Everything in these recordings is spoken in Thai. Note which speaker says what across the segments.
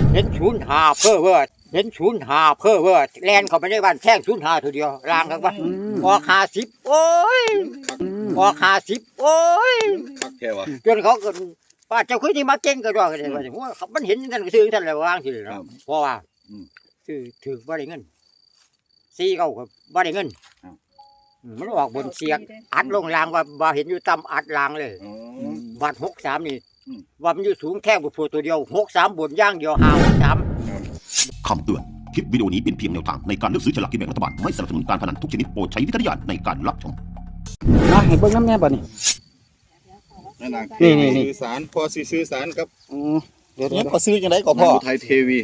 Speaker 1: เห็นศูนย์หาเพ้อเว้อเห็นศูนย์หาเพ้อเว้อแลนเข้าไปในบ้านแท่งศูนย์หาทีเดียวลางกันว่าออก50โอ้ยออก50โอ้ย
Speaker 2: คักแค่วะ
Speaker 1: จนเขาก็ป้าเจ้าคือที่มาเก่งก็ด้วยกันเลยว่าหัวเขามันเห็นกันก็ซื้อกันเลยวางสิเนาะเพราะว่าซื้อถือบ่ได้เงินซีเขาก็บ่ได้เงินมันออกบนเสียกอัดลงรางว่าเห็นอยู่ต่ำอัดรางเลยบาท63นี่ว่ามันอยู่สูงแค่บุพตัวเดียว63บนย่างเดียว53
Speaker 3: คำเตือน คลิปวิดีโอนี้เป็นเพียงแนวทางในการเลือกซื้อฉลากกินแบ่งรัฐบาล ไม่สนับสนุนการพนันทุกชนิดโปรดใช้วิจารณญาณในการรับชม
Speaker 4: มาให้เบิ่งน้ำแน่บ่นี่นี่
Speaker 2: สื่อสารพอสื่อสารครับ
Speaker 4: เดี๋ยว
Speaker 2: เนี่ยก็ซื้อจังไดก็พอไทยเทวี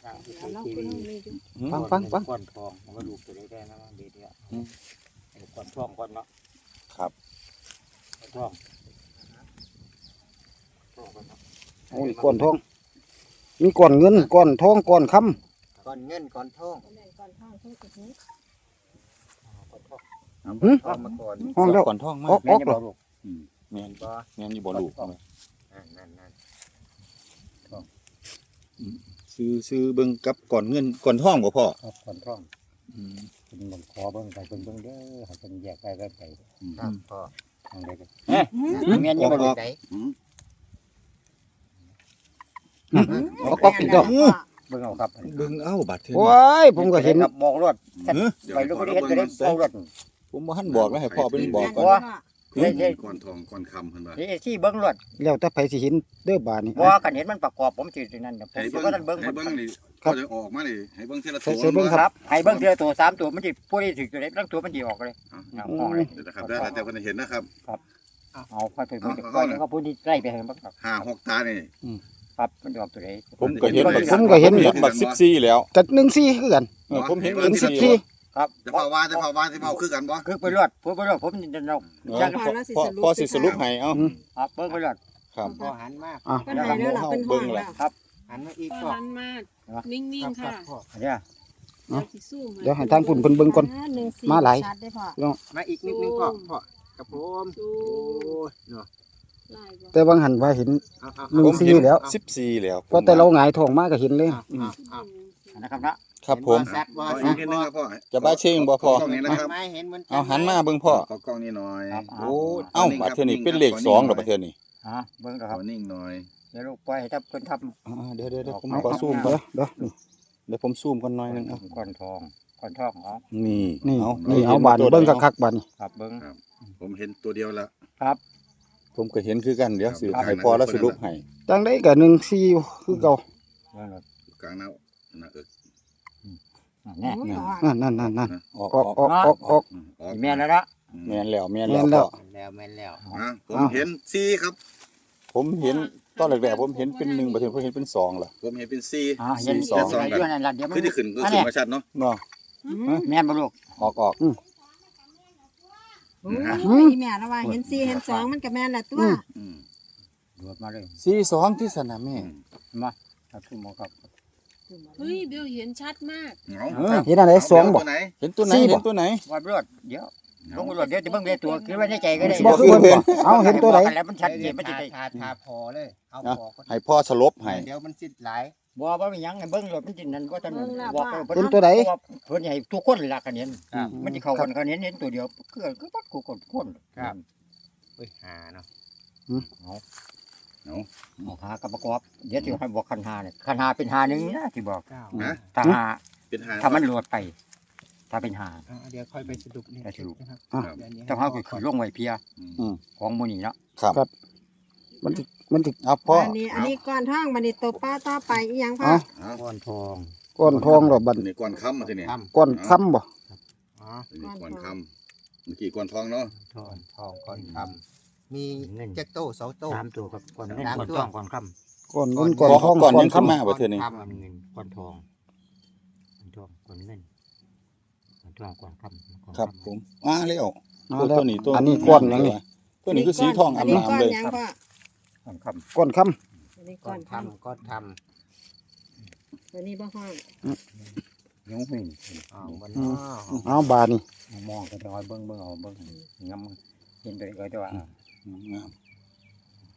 Speaker 4: ฟัง
Speaker 1: ก้อนทองมันก็ดูตัวได้นะเดี๋ยวก้อนทองก้อนเนาะ
Speaker 2: ครับ
Speaker 1: ทอง
Speaker 4: โอ้ยก้อนทองมีก้อนเงินก้อนทองก้อนคำ
Speaker 1: ก้อนเงินก้อนทอง
Speaker 4: มาก่อนห้องแล้ว
Speaker 2: ก่อนท่องมา
Speaker 4: ออก
Speaker 1: แม่จะบอกลูก
Speaker 2: แม่นบ่แม่นอยู่บ่ลูก
Speaker 1: นั่น
Speaker 2: ซื้อเบิ่งกับก่อนเงินก่อนท่องบ่พ่อ
Speaker 1: ครับก้อนทองเป็นหลวงคอเบิ่งไปเบิ่งเด้อให้เป็นแยกไปครับพ่อทางใดกันแม่นยังบ่รู้ใจ
Speaker 4: ออกอีกแล้ว
Speaker 1: เบิ่งเอาครับ
Speaker 2: เบิ่งเอ้าบัดเทื่อ
Speaker 4: โอ้ยผมก็เห็น
Speaker 1: บอกรถไปลูกก็ได้เห็นจะได้เอารถ
Speaker 2: ผมบ่ทันบอกแล้วให้พ่อเป็นบอกก่อน
Speaker 5: ก่อนทองก่อนคำเพิ่นว่า
Speaker 1: นี่ที่เบิ่งรถ
Speaker 4: แล้วแต่ไผสิเห็นเด้อบาดนี่
Speaker 1: บ่กันเห็นมันประกอบผมสินั่นผม
Speaker 5: ให้
Speaker 1: สิ
Speaker 5: เบิ่ง
Speaker 1: ว่าท่านเบิ่ง
Speaker 5: ให้เบิ่งนี่ก็จะออกมานี่ให้เบิ่งทีละ
Speaker 4: ใส่เบิ่ง
Speaker 1: ครับให้เบิ่งทีละตัว3ตัวมันสิผู้ใดถึกตัวใดทั้งตัวมันสิออกเลยห้องเลย
Speaker 5: เดี๋ยวนะครับได้แต่เพิ่นเห็นนะครับ
Speaker 1: เอาค่อยไปเบิ่งค่อยเขาผู้ที่ใกล้ไปเห็นบ่ครับ
Speaker 5: 5 6ตานี่
Speaker 1: ครับมันออกตัวใด
Speaker 2: ผมก็เห็น
Speaker 4: ผมก็เห็น
Speaker 2: บัก14แล้ว
Speaker 4: จัด14คือกัน
Speaker 5: ผมเห็น
Speaker 4: เป็น
Speaker 5: ทีละ
Speaker 4: 14
Speaker 1: ครับ
Speaker 5: จะเผาว่าสิเผาคือกันบ่
Speaker 1: คือไปรถผมไปรถผมจะเอา
Speaker 2: พ่อสิสรุปให้เอ้า
Speaker 1: ครับเบิ่งไปรถ
Speaker 2: ครับ
Speaker 6: พอหันมาก
Speaker 4: อ่ะ
Speaker 6: เพิ่นให้แล้วล่ะเพิ่นห้องแล้วหันมาอีก
Speaker 7: พ
Speaker 6: ก็
Speaker 7: อหันมานิ่งๆค่ะ
Speaker 1: เนี่ย
Speaker 7: เดี๋ยวสิสู้
Speaker 4: เดี๋ยวให้ทางพุ่นเพิ่นเบิ่งก่อน มาหลาย
Speaker 6: ชัดได้พ่อมาอีกนิดนึงก็พ่อกับผม
Speaker 7: สู้
Speaker 6: โอ้ยเนาะ
Speaker 7: ลายบ่
Speaker 4: แต่บางหันว่าเห็น
Speaker 6: เอา
Speaker 4: หนึ่ง
Speaker 2: ผม
Speaker 4: สี่
Speaker 2: เห็น
Speaker 4: แล้ว
Speaker 2: 14แล้ว
Speaker 4: ก็แต่เราหงายท้องมาก็เห็นเลย
Speaker 1: นะครับนะครับ
Speaker 2: ผม
Speaker 6: ชัดบ่
Speaker 5: ขออี
Speaker 6: ชั
Speaker 5: ก
Speaker 6: ด
Speaker 5: นิดนึงครับพ่อ
Speaker 2: จะบ้าเชงบ่พ่อ
Speaker 5: กล้องนี้นะครับ
Speaker 6: ไม่เห็นเหมือน
Speaker 2: เอาหันมาเบิ่งพ่อ
Speaker 5: ขอกล้องนี้หน่อย
Speaker 2: โอ้เอ้าบัดเทื่อนี้เป็นเลข2ดอกบัดเทื่อนี้
Speaker 1: เบิ่งค
Speaker 5: ข
Speaker 1: รั
Speaker 5: อบ นิ่งหน่อย
Speaker 1: เดี๋ยวลูกปล่อยให้ทับเพิ่นทับ
Speaker 2: เดี๋ยวผม
Speaker 4: เอา
Speaker 2: ขอซูมก่อน
Speaker 4: เดี๋ยวนี่
Speaker 2: เดี๋ยวผมซูมก่อนหน่อยนึงเอา
Speaker 1: ก้อนทองอ๋อ
Speaker 2: นี่
Speaker 4: นี่นี่เอาบาดนี่เบิ่งคักๆบาดนี่
Speaker 1: ครับเบิ่ง
Speaker 5: ผมเห็นตัวเดียวแล้ว
Speaker 1: ครับ
Speaker 2: ผมก็เห็นคือกันเดี๋ยวสิ
Speaker 5: ครับ
Speaker 2: ให้พ่อแล้วสรุปให้
Speaker 4: จังได๋ก็14คือเก่า
Speaker 1: เบิ่งรถ
Speaker 5: กลางหน้าเอิก
Speaker 1: แน่
Speaker 4: นั่น
Speaker 2: ออก
Speaker 4: ออกออกออกออก
Speaker 5: ออก
Speaker 1: แม่นแล้วนะ
Speaker 2: แม่นแล้ว
Speaker 4: แม่นแล้ว
Speaker 6: แม่นแล้ว
Speaker 5: ผมเห็น4ครับ
Speaker 2: ผมเห็นตอนแรกๆผมเห็นเป็น1บัดเทื่อผมเห็นเป็น2ล่ะ
Speaker 5: ผมเห็นเป็น4
Speaker 1: เห็น
Speaker 2: สอง
Speaker 1: อยู่นั่นล่ะเดี๋ยวมัน
Speaker 5: คือที่ขึ้นก็ขึ้นมาชัดเนาะ
Speaker 2: เนาะ
Speaker 1: แม่นบ่ลูก
Speaker 2: ออก
Speaker 6: โอ้ยแม่ละว่าเห็น4เห็น2มันก็แม่นละตัว
Speaker 1: โดดมาเลย
Speaker 2: 42ที่สนามแม่
Speaker 1: มาครับทุกหมอครับ
Speaker 7: เฮ้ยเบลเห็นชัดมาก
Speaker 4: เห็นอะไร2บ่
Speaker 2: เห็นตัวไหน
Speaker 4: สี่บ่
Speaker 2: เห็นตัวไหน
Speaker 1: ว่าเลือดเดี๋ยวลงรถเดี๋ยวจะเบิ่งเรียตัวคือว่าในใจก็ได้
Speaker 4: บ่คือเพิ่นบ่เอาเห็นตัวไหน
Speaker 1: แล้วมันชัดเจนมันจะได้
Speaker 6: ทาพอเลยเอาพอ
Speaker 2: ให้พ่อสลบให้
Speaker 6: เดี๋ยวมันสิหลาย
Speaker 1: บ่ว่ามีหยังให้เบิ่งรถมันจินั่นบ่ทันบอก
Speaker 4: เห็นตัวไหน
Speaker 1: เพิ่นให้ทุกคนล่ะกันเห็นมันสิเข้ากันกันเห็นตัวเดียวคือบัดกูคน
Speaker 6: เฮ้ยหาเนาะ
Speaker 1: เอาหากับประกอบเดี๋ยวสิให้บอกคันหาเนี่ยคันหาเป็นหานึงนะที่บอก
Speaker 5: นะ
Speaker 1: ถ้าหา
Speaker 5: เป็นหา
Speaker 1: ถ้ามันโหลดไป ถ้าเป็นหา
Speaker 6: เดี๋ยวค่อยไปสรุปนี่นะครับ
Speaker 1: ต้องเฮาคือลงไว้เพียของหมู่นี้เนาะ
Speaker 2: ครับ
Speaker 4: มันสิ
Speaker 2: เอาพ่อ
Speaker 8: อันนี้ก้อนทองบันนี้ตัวป้าต่อไปอีหยังพ่อ
Speaker 1: ก้อนทอง
Speaker 4: ก้อนทองดอกบัด
Speaker 5: นี่ก่อนค่ำมาทีนี่
Speaker 4: ก้อนค้ำบ่
Speaker 5: นี่ก่อนค่ำเมื่อกี้ก่อนทองเนาะ
Speaker 1: ทอง
Speaker 6: ก่อนทำมีเจ็กโต้เสาโต้
Speaker 1: 3ตัวครับก้อนเงิน
Speaker 6: สาม
Speaker 1: ก้อน
Speaker 6: ตัว
Speaker 1: ทองก้อนค่ำ
Speaker 4: ก้อนเงินก้อนทอง
Speaker 2: ก่อน
Speaker 4: ก้อ
Speaker 2: ยั
Speaker 4: น
Speaker 2: งขึ้น
Speaker 4: ค้ำ
Speaker 2: มาบ่เทื่อนี้
Speaker 1: ก้อนเงินก้อนทองก้อนเงินก้อนทองก้อนค่ำ
Speaker 2: ครับผมมาแล้ว
Speaker 4: มาแล้ว
Speaker 2: ตัวนี้ตัว
Speaker 4: อันนี้ก้อนหยังนี่
Speaker 2: ตัวนี้คือสีทองอาบน้ำเลย
Speaker 8: อันนี้ก้อนหยังพ่อ
Speaker 1: ก้อนค่ำ
Speaker 4: ก้อนค้ำ
Speaker 8: อันนี้
Speaker 6: ก่
Speaker 8: ก้
Speaker 6: อ
Speaker 8: อน น
Speaker 6: ทำ
Speaker 8: ทำ
Speaker 6: ก็ท
Speaker 8: ตัวนี้บ่ห้อง
Speaker 1: ยุ้งหิ่ง
Speaker 6: ำบน
Speaker 4: เอาบาดนี่
Speaker 1: มองก็จะเอาเบิ้งเอาเบิ้งงำเห็นตัวนี้ก็จะว่า
Speaker 2: งามก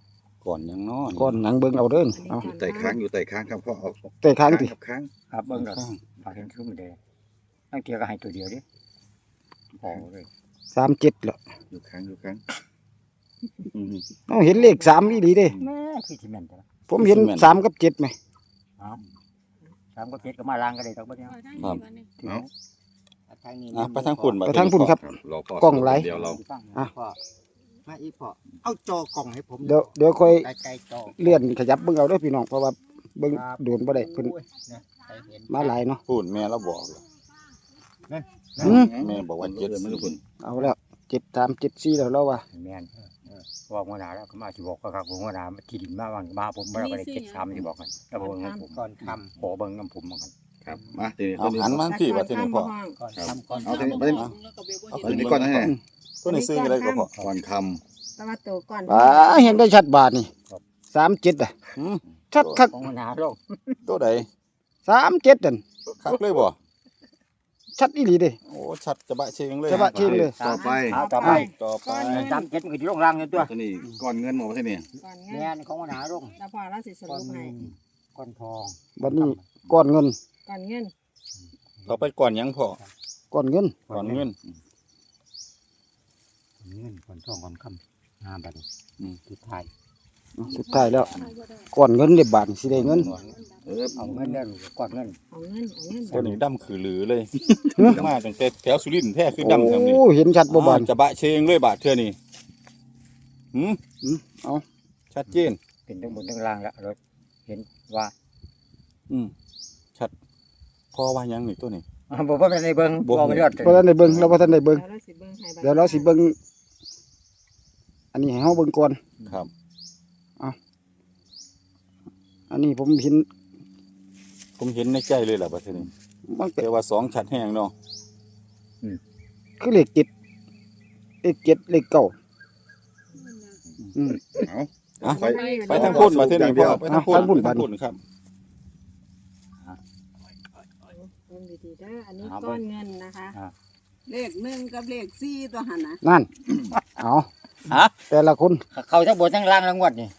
Speaker 2: ก่อนยังนอน
Speaker 4: ก้อนหนังเบิ่งเอาเด้อเอา
Speaker 5: ไต่ค้างอยู่ไต่ค้างครับพ่อเอา
Speaker 4: เตะค้างติ
Speaker 5: ครับค้าง
Speaker 1: ครับเบิ่งดอกฝากเห็นคือมันแดงตั้งเทียก็ให้ตัวเดียวดิพอเลย
Speaker 4: 37เหรอ
Speaker 5: อยู่ค้างอยู่ค้างอืม
Speaker 4: เอาเห็นเลข3อีหลีเด้
Speaker 1: แม่คือสิแม่นจ้ะ
Speaker 4: ผมเห็น3กับ7ไหม
Speaker 1: สามก็เจ็ดก็มาล้างก็ได้ดอกบัดเนี้ย
Speaker 7: เอาทางนี้ก่อนนี่
Speaker 5: เอา
Speaker 1: ทางนี้
Speaker 2: ไปทางฝุ่น
Speaker 4: ไปทางพุ่นครับ
Speaker 5: รอพ่อก
Speaker 4: ล้องไหล
Speaker 5: เดี๋ยวเรา
Speaker 4: อ่ะ
Speaker 1: พ่อ
Speaker 6: มาอีพอเอาจอกล่องให้ผม
Speaker 4: เดี๋ยวค่อย
Speaker 1: ไกลๆจอ
Speaker 4: เลื่อนขยับเบิ่งเอาเด้อพี่น้องเพราะว่าเบิ่งโดนบ่ได้เพิ่น
Speaker 1: โอ้ยนะใครเห็น
Speaker 4: มาหลายเนาะ
Speaker 2: ฝุ่นแม่เราบอกเลย
Speaker 4: อืม
Speaker 2: แม่บอกว่า
Speaker 5: เจ็ดไม่รู้คุณ
Speaker 4: เอาแล้ว73 74แล้วเราว่า
Speaker 1: แม่นว่าหัวหน้าแล้วก็มาสิบอกก็ครับหัวหน้ามาที่ดินมาว่ามาผมบ่ได้ไป73สิบอกกันแล้วบ่เบิ่งน้ำผม
Speaker 6: ก่อนท
Speaker 1: ขอเบิ่งน้ำผมเหมือนกัน
Speaker 5: ครับมาทีนี้
Speaker 2: เอาหันมาที่ว่าที่นี่พ่อ
Speaker 7: ก่อน
Speaker 5: ครับ
Speaker 7: ทำก่อน
Speaker 5: เอาทีนี้
Speaker 7: ทำ
Speaker 5: ไปทีนี้
Speaker 7: แล้วก็เบลบ่
Speaker 5: เอา
Speaker 7: เห็
Speaker 5: ที
Speaker 7: น
Speaker 5: นี้ก่อนนะฮะ
Speaker 2: ตัวนี้ซื้ออะไรก็พ่อ
Speaker 5: ก่อนค
Speaker 8: ตะวันตกก่อน
Speaker 4: เห็นได้ชัดบาทนี่37อ่ะ
Speaker 2: หืม
Speaker 4: ชัดคัก
Speaker 1: ของหัวหน้าลง
Speaker 2: ตัวใด
Speaker 4: 37นั่น
Speaker 2: คักเลยบ่
Speaker 4: ชัดอีหลีเด้
Speaker 2: โอ้ชัดจะบะเชงเลย
Speaker 4: จะบะเชงเลย
Speaker 5: ต่อไป
Speaker 1: เอาต่อไป
Speaker 2: ต่อไป
Speaker 1: จำเจ็ดมันก็สิลงล่างอยู่ตัว
Speaker 5: ทีนี้ก่อนเงินหมดที่นี่
Speaker 8: ก่อน
Speaker 1: แม่
Speaker 8: เงี้ย
Speaker 1: นของหัวหน้าลง
Speaker 8: แล้วพอเราสิสรุปให้
Speaker 1: ก้อนทอง
Speaker 4: บัดนี้ก้อนเงิน
Speaker 8: ก่อนเงิน
Speaker 2: ต่อไปก่อนยังพ่อ
Speaker 4: ก้อนเงิน
Speaker 2: ก่อนเงิน
Speaker 1: ก้อนทองก้อนคำงามบัดนี้สุดท้าย
Speaker 4: สุดท้ายแล้วก้อนเงินได้บาทสิได้เงิน
Speaker 1: เอาเงินได้ลูกก้อนเงิน
Speaker 8: เอาเงินเอาเงิน
Speaker 2: ตัวนี้ดำคือหรือเลยมาตั้งแต่แถวสุรินทร์แท้คือดำทำนี่
Speaker 4: โอ้เห็นชัดบ่บาท
Speaker 2: จะบะเชงเลยบาทเทื่อนี่หืม
Speaker 4: เอา
Speaker 2: ชัดเจน
Speaker 1: เป็นทั้งบนทั้งล่างแล้วเราเห็นว่า
Speaker 2: ชัดพ่อว่ายังนี่ตัวนี้
Speaker 1: บอกว่าเป็นในเบิ้งบอกไปยอด
Speaker 4: บ่ทันได้เบิ่งเราบ่ทันได้เบิ่ง
Speaker 8: แล้วเราสิเบิ่งให้บัด
Speaker 4: เดี๋ยวเราสิเบิ่งอันนี้ให้เฮาเบิ่งก่อน
Speaker 2: ครับ
Speaker 4: อันนี้ผมเห็น
Speaker 2: ผมเห็นในใจเลยแหละบัดเทื่อนี้
Speaker 4: มันเป็น
Speaker 2: แต่ว่า2ชัดแห้งเนาะ
Speaker 4: คือเลข7เลข7เลข9อืม
Speaker 5: เอา
Speaker 2: อ่ะ
Speaker 5: ไป
Speaker 2: ไปทางพุ่นมาเทื่อนี้พ่อไปทางพุ่น
Speaker 4: ทางพุ่น
Speaker 2: ไปทางพุ่นครับ
Speaker 8: เบิ่งดีๆเด้ออันนี้ก้อนเงินนะคะ
Speaker 9: เลข1กับเลข4ตัวหั่นน่ะ
Speaker 4: นั่นเอาแต่ละคน
Speaker 1: เขาทั้งบนทั้งล่างทั้งวัดนี่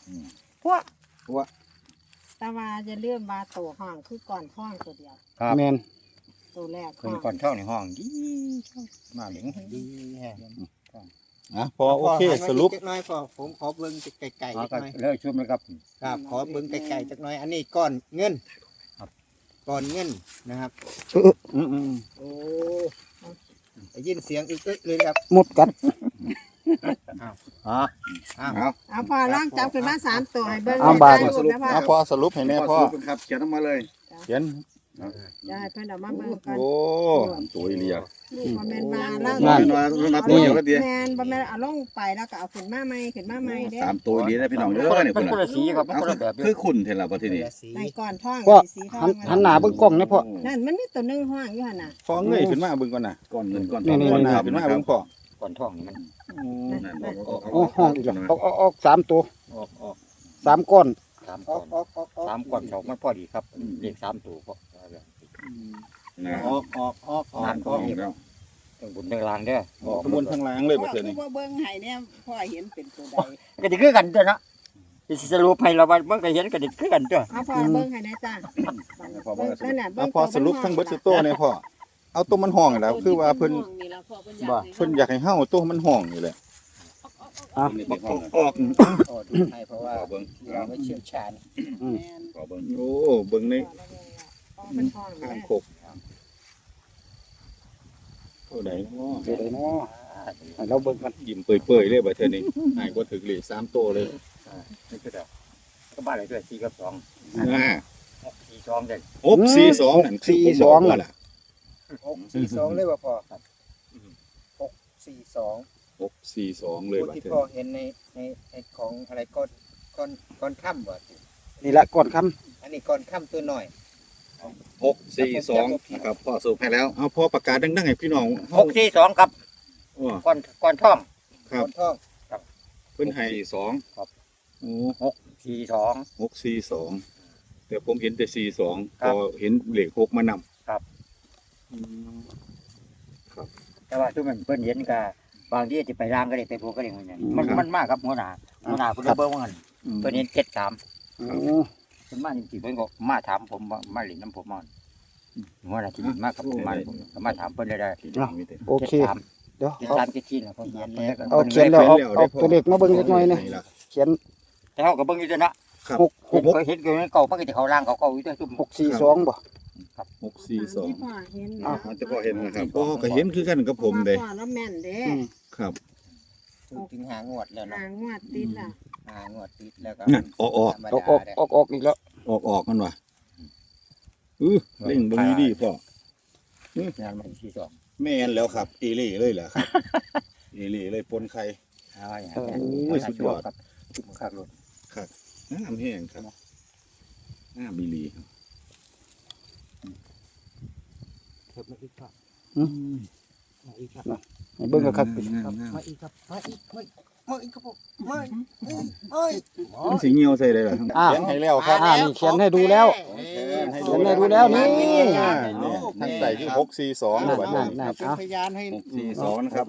Speaker 8: แต่ว่าจะเลื่อนบาโตห้องคือก่อนท้องตัวเดียว
Speaker 4: แม่น
Speaker 8: ตัวแรก
Speaker 1: คนก่อนเท่าในห้องดีมาเหลืองดีแฮะ
Speaker 2: อ่ะพอโอเคสรุป
Speaker 6: จักหน้อยพอผมขอเบิ่งไกลๆ
Speaker 1: เอา
Speaker 6: จัก
Speaker 1: ก็
Speaker 6: หน่อย
Speaker 1: เลิกชุบเลยครับ
Speaker 6: ครับขอเบิ่งไกลๆจักหน่อยอันนี้ก้อนเงิน
Speaker 1: ครับ
Speaker 6: ก้อนเงินนะครับ
Speaker 2: อืม
Speaker 6: โอ้ได้ยินเสียงอึกอึกเลยครับ
Speaker 4: หมดกัด
Speaker 1: อ๋อ
Speaker 6: อ้าว
Speaker 5: เอา
Speaker 8: เอาพอล่างจับขึ้นมา3ตัวให้เบิ่ง
Speaker 4: เอาบาท
Speaker 8: ให้รูปนะพ่อ
Speaker 2: อ่ะพอสรุปให้แน่พ่อ
Speaker 5: สรุปครับเขียนออกมาเลย
Speaker 2: เขียน
Speaker 8: จะให้เพิ่นเอามาเบิ่งกัน
Speaker 2: โอ้
Speaker 5: ตัวเรียก
Speaker 8: ลูกบ่แม่นบาล่าง
Speaker 5: มันมาตัวเดียวก็ดี
Speaker 8: แม่นบ่แม่นเอาลงไปแล้วก็เอาขึ้นมาใหม่ขึ้นมาใหม่เด้อ
Speaker 5: สามตัวดีนะพี่น้องเย
Speaker 1: มัน
Speaker 5: อะเนี่ย
Speaker 1: เป็
Speaker 5: คุ
Speaker 1: น
Speaker 5: ณ
Speaker 1: คนละสีครับมัน
Speaker 5: เอา
Speaker 1: คนละแบบ
Speaker 5: คือคุณเห็นแล้วพอทีนี้
Speaker 8: ในก่อนท้อง
Speaker 4: พ่อ
Speaker 8: สีทอ
Speaker 4: หั
Speaker 8: ง
Speaker 4: นหันหน้าเบิ่งกล้องนะพ่อ
Speaker 8: นั่นมันมีตัวหนึงห้องอยู่หั่นน่ะ
Speaker 2: พอเงยขึ้นมาเบิ่งก่อนน่ะ
Speaker 5: ก้อนเงินก้อน
Speaker 4: นี่
Speaker 2: ก่อนหน้าขึ้นมาเบิ่งพ่อ
Speaker 1: ก่อนท้องนี่มัน
Speaker 4: โอ้ห้องอีกแล้วออก3ตัว
Speaker 1: ออก
Speaker 4: 3ก้อน
Speaker 1: สาม
Speaker 6: อ
Speaker 1: ก่
Speaker 6: อ
Speaker 1: อก น
Speaker 6: ออกออกออก
Speaker 1: สามก่อนสองมันพอดีครับเรียก3ตัวพอ
Speaker 5: นะ
Speaker 6: ออกแล้ว
Speaker 1: ทั้งบนทั้งล่างเด้อ
Speaker 2: ออกข้างบนข้างล่างเลย
Speaker 9: พ่
Speaker 2: บั
Speaker 9: อ
Speaker 2: ดเทื่อ
Speaker 9: คื
Speaker 2: นี้
Speaker 9: อว่าเบิ่งให้เนี่ยพ่อเห็นเป็นตัวใด
Speaker 1: ก็จะคือกันตัวนะสิสรุปให้เราว่ามันก็เห็นก็จะคือกันตัว
Speaker 8: เอาพอเบิ่งให้ได้จ้าเบิ่งนั่นน่ะเบิ่
Speaker 2: อ่ะ
Speaker 8: ง
Speaker 2: พอสรุปทั้งเบิดสุดโตเนี่ยพ่อเอาตัวมันห้องนี่แหล้วคือว่าเพิ่น
Speaker 7: นี่ล่ะพ่อเพิ่นอยากให้
Speaker 2: เพิ่นอยากให้เฮาตัวมันห้องนี่แหละ
Speaker 5: นี่เป็นห้อง
Speaker 2: ออก
Speaker 6: ขอดูให้เพราะว่า
Speaker 5: ขอเบิ้ง
Speaker 6: เราไม่เชี่ยวชาญ
Speaker 9: แม่น
Speaker 5: ขอเบิ้ง
Speaker 2: โอ้เบิ่งใน
Speaker 8: มันท้อง
Speaker 2: ข้าง
Speaker 8: แม่
Speaker 2: โคกเท่าใดเนาะ
Speaker 4: เดี๋ยวได้เนาะให้เราเบิ่งกัน
Speaker 2: ยิ้มเปื่อยๆเลยบัดเทื่อนี้หายบ่ถึกเลข3โตเลย
Speaker 1: นี่คือเด้อก็บ้านอะไรด้วย4กับ2
Speaker 2: อ่า
Speaker 1: 4 2เด้อ
Speaker 2: 642นั่นคือผมบอกว่าล่ะ
Speaker 6: 642เลยว่าพอ642
Speaker 2: 642เลย
Speaker 6: ตัว
Speaker 2: บัด
Speaker 6: ที่
Speaker 2: เทื่อ
Speaker 6: พ่อ
Speaker 2: นี้
Speaker 6: เห็นในของอะไรก้อนค่ำว่ะ
Speaker 4: นี่ละก้อนคำ
Speaker 6: อันนี้ก้อนค่ำตัวหน่อย
Speaker 5: 642นะครับพ่อสรุปให้แล้ว
Speaker 2: เอาพอประกาศดังๆให้พี่น้อง
Speaker 1: 642ครับ
Speaker 2: อ้อ
Speaker 1: ก่อนท้อง
Speaker 2: ครับ
Speaker 6: ก้อนท้อง
Speaker 2: เพิ่นให้
Speaker 5: 42
Speaker 2: โอ้
Speaker 1: 642
Speaker 2: 642แต่ผมเห็นแต่42
Speaker 1: ครั
Speaker 2: พ
Speaker 1: บ
Speaker 2: อเห็นเลข6มานำ
Speaker 1: ครับ
Speaker 2: อืม
Speaker 1: แต่ว่าทุกมันเพิ่นเห็นก็บางทีจะไปร่างก็ได้ไปโพก็ได้เหมือนกันมันมากครับหัวหน้าเพิ่นเบิ่งว่างั้นเพิ่นเห็น73
Speaker 4: โอ้
Speaker 1: เพิ่นมาจริงๆเพิ่นก็มาถามผมว่ามาเล่นน้ำผมมาหัวหน้าที่มากับผมมาผมก็มาถามเพิ่นได้
Speaker 4: โอเค
Speaker 1: 73
Speaker 4: เดี๋ยว
Speaker 1: 73 74แล้วเพิ่นเห็น
Speaker 4: เอาเขียนแล้วเอาตัวเลขมาเบิ่งเล็กน้อยนะเขียน
Speaker 1: แต่เฮาก็เบิ่งอยู่เด้อนะ
Speaker 4: 6
Speaker 1: เคยเห็นอยู่ในเก่ามันก็สิเข้าล่างเก่าๆอยู่เด้อซุ่ม
Speaker 4: 642บ่
Speaker 5: 642
Speaker 8: ที่พ่อเห็น
Speaker 5: มันจะพอเห็นนะครับพ่อก็เห็นคือกันกับผมเด้
Speaker 8: พ่อแล้วแม่นเด้
Speaker 5: ครับ
Speaker 1: ถึงหางวดแล้ว
Speaker 8: หา
Speaker 1: เนาะ
Speaker 8: งวดติดล่ะ
Speaker 1: หางวดติดแล้วก็
Speaker 5: นั่นออก
Speaker 4: ออกอีกแล้ว
Speaker 5: มันว่ะเล่งเบิ่งดีๆพ่อง
Speaker 1: านมันที่2
Speaker 5: แม่นแล้วครับอีหลีเลยแหละครับ อีหลีเลยปนไข่
Speaker 1: เอาอย่าง
Speaker 5: โอ้ยสุดยอด
Speaker 1: ครับซุ่มคักรถ
Speaker 5: งามแห้งครับงามอีหลีครับ
Speaker 1: เพิ่มมาอีกครับ
Speaker 4: อืม
Speaker 1: มาอีกครับ
Speaker 4: ให้เบิ่งคัก
Speaker 5: งาม
Speaker 1: มาอีกครับมาอีกครับผมมา
Speaker 5: มันสิเหี่ยวใส่ได้เหรอ
Speaker 4: อ่า
Speaker 2: เขียนให้แล้วครับ
Speaker 4: นี่เขียนให้ดูแล้ว เขียนให้ดูแล้วนี่
Speaker 2: ทางใต้คือ642บัดนี้
Speaker 4: นั่น
Speaker 6: เป็นพยานให้
Speaker 5: 642นะครับ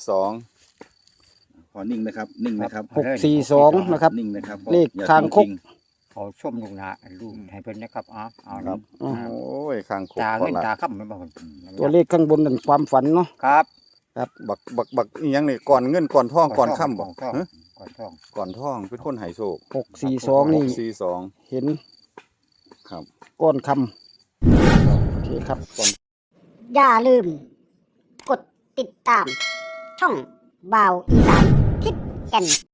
Speaker 2: 42
Speaker 5: ขอนิ่งนะครับ นิ่งนะครับ
Speaker 4: 642นะครับ
Speaker 5: นิ่งนะครับ
Speaker 4: เลขคางคก
Speaker 1: เอาส้มลงหน้าลูกให้เพิ่นนะครับเอา
Speaker 2: ครับ โอ้ยข้างคก
Speaker 1: ตา
Speaker 2: พอ
Speaker 1: เงิน
Speaker 2: ละ
Speaker 1: ตาค่ำมันบ่
Speaker 4: ตัวเลขข้างบนนั่นความฝันเนาะ
Speaker 1: ครับ
Speaker 2: บักอีหยังนี่ก่อนเงินก่อนทองก่อนค่ำบ่
Speaker 1: ก่อน
Speaker 2: ฮะ
Speaker 1: ท่อง
Speaker 2: ก่อนทองเป็นคนให้โชค
Speaker 4: 642นี่
Speaker 2: 642
Speaker 4: เห็น
Speaker 2: ครับ
Speaker 4: ก้อนคำโอเคครับ
Speaker 10: อย่าลืม กดติดตาม ช่องบ่าวอีสานทิศแก่น